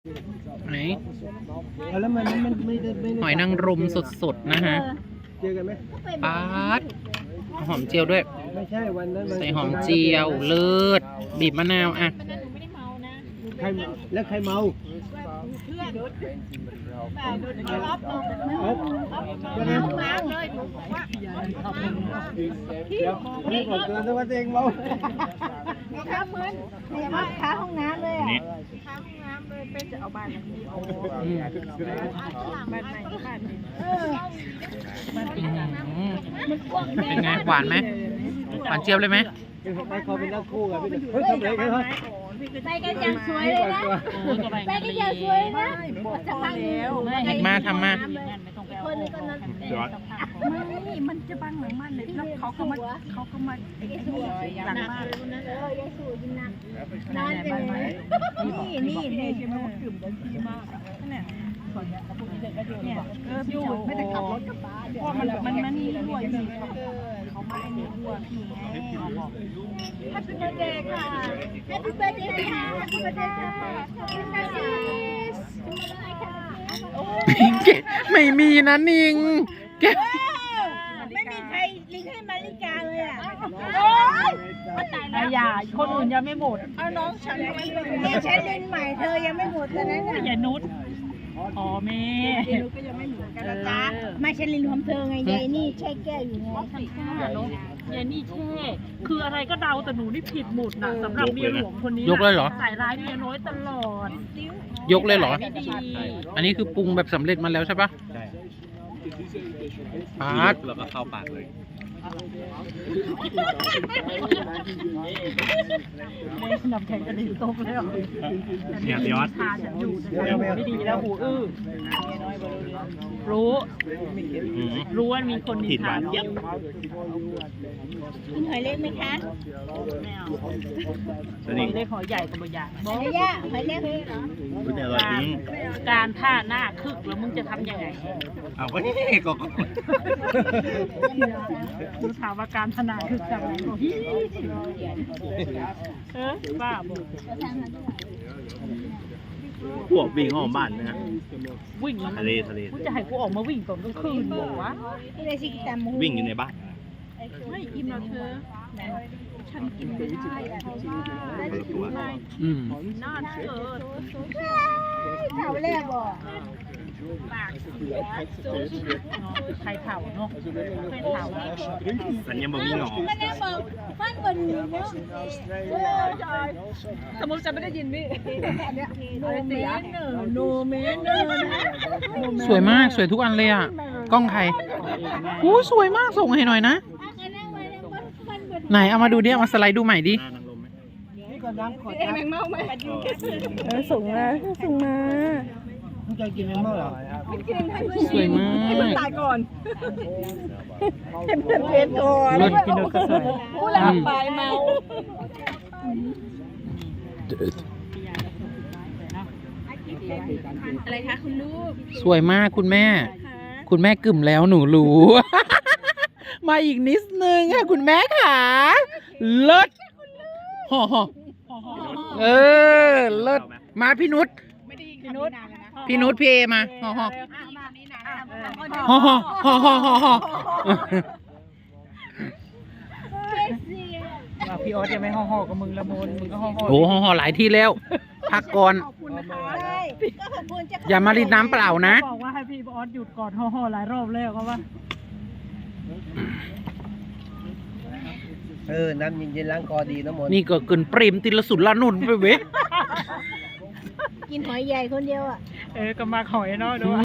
ไหนแล้วมันไม่ได้หอยนางรมสดๆนะฮะเจอกันไหมปาดหอมเจียวด้วยไม่ใช่วันนั้นใส่หอมเจียวเลิศบีบมะนาวอ่ะใครแล้วใครเมาเดี๋ยวนี่บอกเกินแล้วว่าตัวเองเมาค้าเหมือนเนี่ยว่าค้าห้องน้ำเลยอ่ะค้าห้องน้ำเลยเป็นจะเอาบ้านนี้เอาบ้านใหม่บ้านนี้เป็นไงหวานไหมหวานเจี๊ยบเลยไหมไปขอเป็นนักคู่กับพี่เฮ้ยทำไรกันครับไปกันอย่างสวยเลยนะไปกันอย่างสวยนะจะพังแล้วมาทำมาคนนึงก็นั้นไม่มันจะบังหลังมันเลยแล้วเขาก็มาไอ้นี่หลังบ้านนั้นยายสู่ยินนักนานไปเลยนี่ใช่ไหมว่ากลุ่มดันทีมากเนี่ยพี่อุ๋ยไม่ได้ขับรถกลับบ้านเพราะมันนี่ด้วยสิเขาไม่ให้นี่ด้วยพี่ไงแฮปปี้เบิร์ธเดย์ค่ะแฮปปี้เบิร์ธเดย์ค่ะแฮปปี้เบิร์ธเดย์ค่ะไม่มีนะนิงไม่มีใครลิงให้มาริกาเลยอ่ะอย่าคนอื่นยังไม่หมดเอาน้องฉันไม่เป็นเนี่ยฉันเล่นใหม่เธอยังไม่หมดตอนนั้นน่ะอย่านุชอ๋อแม่นุชก็ยังไม่หมดกันนะจ๊ะไม่ฉันลินรวมเธอไงยายนี่ใช่แก้วอยู่ไงทำท่าเนาะยายนี่แช่คืออะไรก็เดาแต่หนูนี่ผิดหมดนะสำหรับเมียหลวงคนนี้ยกเลยเหรอใส่ร้ายเมียน้อยตลอดยกเลยเหรอไม่ดีอันนี้คือปรุงแบบสำเร็จมาแล้วใช่ปะใช่ปาดแล้วก็เข้าปากเลยนำแข่งกันดีตกแล้วเนี่ยพี่ออสทานฉันอยู่ไม่ดีแล้วหูอื้อรู้ว่ามีคนนินทาเยอะกินหอยเล็กไหมคะไม่เอาหอยเล็กหอยใหญ่กับใหญ่หอยเล็กหอยเล็กเหรอการท่าหน้าคึกแล้วมึงจะทำยังไงเอาก็นี่ก็ดูถามว่าการพนาคึกทำยังไงบ้าบอกพวกวิ่งห้องบ้านนะฮะวิ่งทะเลกูจะให้กูออกมาวิ่งตอนกลางคืนบอกว่าวิ่งอยู่ในบ้านไม่อิ่มหรอกเธอฉันกินไม่ได้เพราะว่าไม่น่าเกิดเขาแรกบอกปากเสียใครเผาเนาะใครเผาสัญญาบ่มีหนอมันเนี่ยบอกฟันบนเนาะสมมติจะไม่ได้ยินพี่โนเมนสวยมากสวยทุกอันเลยอ่ะกล้องใครสวยมากส่งให้หน่อยนะไหนเอามาดูดิเอามาสไลด์ดูใหม่ดินี่ก็น้ำขวดแมงเม่าไหมส่งมามึงจะกินแมงเม่าเหรอสวยมากให้มันตายก่อนให้มันเพชรก่อนกินโดนกระสวยผู้หลับไปเมาอะไรคะคุณลูกสวยมากคุณแม่กึ่มแล้วหนูรู้ มาอีกนิดนึงค่ะคุณแม่ค่ะเลิศห่อเลิศมาพี่นุชพี่เอมาห่อพี่ออสยังไม่ห่อกับมึงละมุนมึงก็ห่อโอ้ห่อหลายที่แล้วพักก่อนอย่ามารีดน้ำเปล่านะบอกว่าให้พี่ออสหยุดก่อนห่อหลายรอบแล้วก็ว่าน้ำเย็นๆล้างคอดีนะมนนี่ก็เกินเปรมติลสุดละนุนไปเว้ยกินหอยใหญ่คนเดียวอ่ะก็มาหอยเนาะ